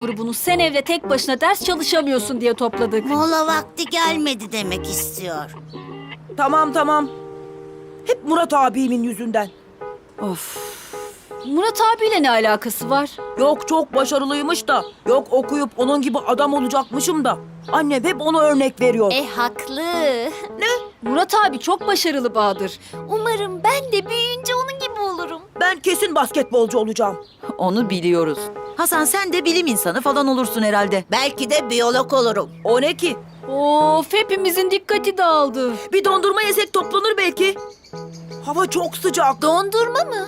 grubunu sen evde tek başına ders çalışamıyorsun diye topladık. Mola vakti gelmedi demek istiyor. Tamam. Hep Murat abimin yüzünden. Of. Murat abiyle ne alakası var? Yok çok başarılıymış da. Yok okuyup onun gibi adam olacakmışım da. Annem hep ona örnek veriyor. Haklı. Murat abi çok başarılı Bahadır. Umarım ben de büyüyünce onun gibi olurum. Ben kesin basketbolcu olacağım. Onu biliyoruz. Hasan sen de bilim insanı falan olursun herhalde. Belki de biyolog olurum. O ne ki? Of, hepimizin dikkati dağıldı. Bir dondurma yesek toplanır belki. Hava çok sıcak. Dondurma mı?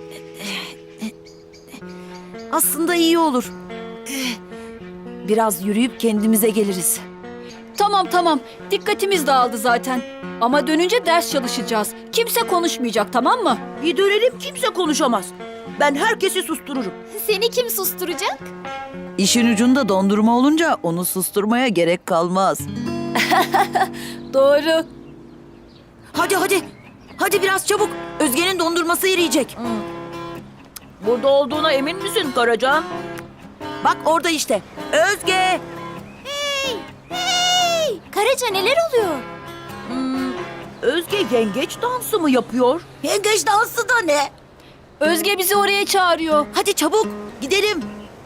Aslında iyi olur. Biraz yürüyüp kendimize geliriz. Tamam. Dikkatimiz dağıldı zaten. Ama dönünce ders çalışacağız. Kimse konuşmayacak, tamam mı? Bir dönelim kimse konuşamaz. Ben herkesi sustururum. Seni kim susturacak? İşin ucunda dondurma olunca onu susturmaya gerek kalmaz. Doğru. Hadi. Hadi biraz çabuk. Özge'nin dondurması eriyecek. Burada olduğuna emin misin Karacan? Bak orada işte. Özge! Hey! Karaca neler oluyor? Özge yengeç dansı mı yapıyor? Yengeç dansı da ne? Özge bizi oraya çağırıyor. Hadi çabuk gidelim.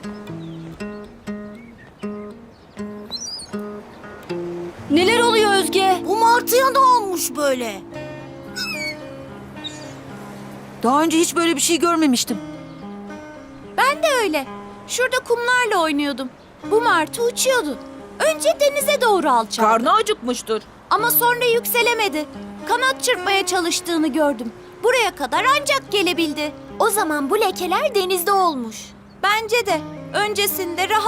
Neler oluyor Özge? Bu martıya ne olmuş böyle? Daha önce hiç böyle bir şey görmemiştim. Ben de öyle. Şurada kumlarla oynuyordum. Bu martı uçuyordu. Önce denize doğru alçaldı. Karnı acıkmıştır. Ama sonra yükselemedi. Kanat çırpmaya çalıştığını gördüm. Buraya kadar ancak gelebildi. O zaman bu lekeler denizde olmuş. Bence de. Öncesinde rahat